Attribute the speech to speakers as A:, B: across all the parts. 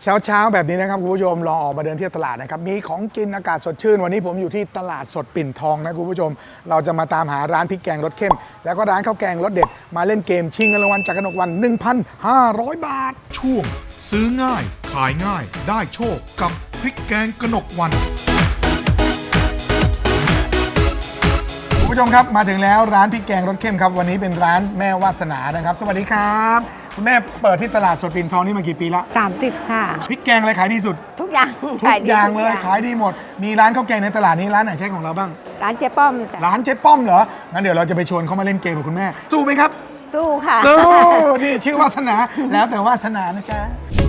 A: เช้าแบบนี้นะครับคุณผู้ชมลองออกมาเดินเที่ยวตลาดนะครับมีของกินอากาศสดชื่นวันนี้ผมอยู่ที่ตลาดสดปิ่นทองนะคุณผู้ชมเราจะมาตามหาร้านพริกแกงรสเข้มแล้วก็ร้านข้าวแกงรสเด็ดมาเล่นเกมชิงเงินรางวัลจากกนกวัน 1,500 บาท
B: ช่วงซื้อง่ายขายง่ายได้โชคกับพริกแกงกนกวัน
A: คุณผู้ชมครับมาถึงแล้วร้านพริกแกงรสเข้มครับวันนี้เป็นร้านแม่วาสนานะครับสวัสดีครับคุณแม่เปิดที่ตลาดสดปิ่นทองนี่มากี่ปีละ
C: 30ค่ะ
A: พริกแกงอะไรขายดีสุด
C: ทุกอย่าง
A: ทุกอย่างเลยขายดีหมดมีร้านข้าวแกงในตลาดนี้ร้านไหนใช่ของเราบ้าง
C: ร้านเจ๊ป้อมจ้ะ
A: ร้านเจ๊ป้อมเหรองั้นเดี๋ยวเราจะไปชวนเขามาเล่นเกมกับคุณแม่สู้ไหมครับ
C: ตู้ค่ะ
A: สู้นี่ชื่อวาสนาแล้วแต่วาสนานะจ๊ะ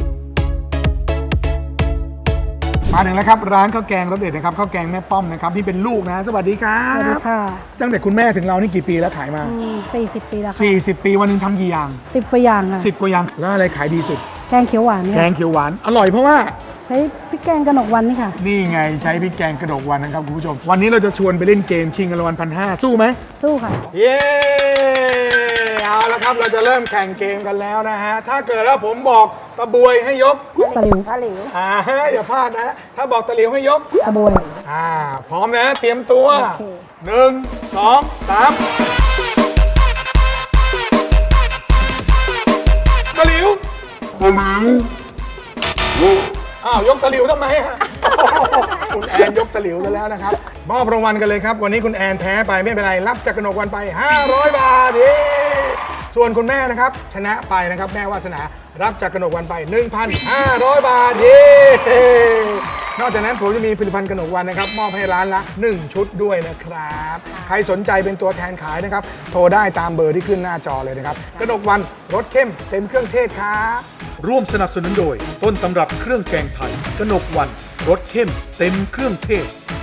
A: มาถึงแล้วครับร้านข้าวแกงรสเด็ดนะครับข้าวแกงแม่ป้อมนะครับที่เป็นลูกนะสวัสดีครับ
D: สวัสดีค่ะ
A: ตั้งแต่คุณแม่ถึงเรานี่กี่ปีแล้วขายมา
D: 40 ปีแล้วค่ะ
A: 40 ปีวันนึงทำกี่อย่าง
D: 10 กว่าอย่างค่ะ
A: 10 กว่าอย่างแล้วอะไรขายดีสุด
D: แกงเขียวหวาน
A: แกงเขียวหวานอร่อยเพราะว่า
D: ใช้พริกแกงกนกวันนี่ค่ะ
A: นี่ไงใช้พริกแกงกระดกวันนะครับคุณผู้ชมวันนี้เราจะชวนไปเล่นเกมชิงเงินรางวัล 1,500 สู้ไหม
D: สู้ค่ะ
A: เย้เอาละครับเราจะเริ่มแข่งเกมกันแล้วนะฮะถ้าเกิดว่าผมบอกตะบวยให้ยก
D: ตะหลิว
A: อย่าพลาดนะถ้าบอกตะหลิวให้ยก
D: ตะบวย
A: พร้อมนะเตรียมตัว1 2 3ตะหลิวยกตะหลิวทำไมคุณแอนยกตะหลิวแล้วนะครับมอบรางวัลกันเลยครับวันนี้คุณแอนแพ้ไปไม่เป็นไรรับจากกนกวันไป500 บาทส่วนคุณแม่นะครับชนะไปนะครับแม่วาสนารับจากกนกวันไป 1,500 บาทนอกจากนั้นผมจะมีผลิตภัณฑ์กนกวันนะครับมอบให้ร้านละ1 ชุดด้วยนะครับใครสนใจเป็นตัวแทนขายนะครับโทรได้ตามเบอร์ที่ขึ้นหน้าจอเลยนะครับกนกวันรสเข้มเต็มเครื่องเทศครับ
B: ร่วมสนับสนุนโดยต้นตำรับเครื่องแกงไทยกนกวันรสเข้มเต็มเครื่องเทศ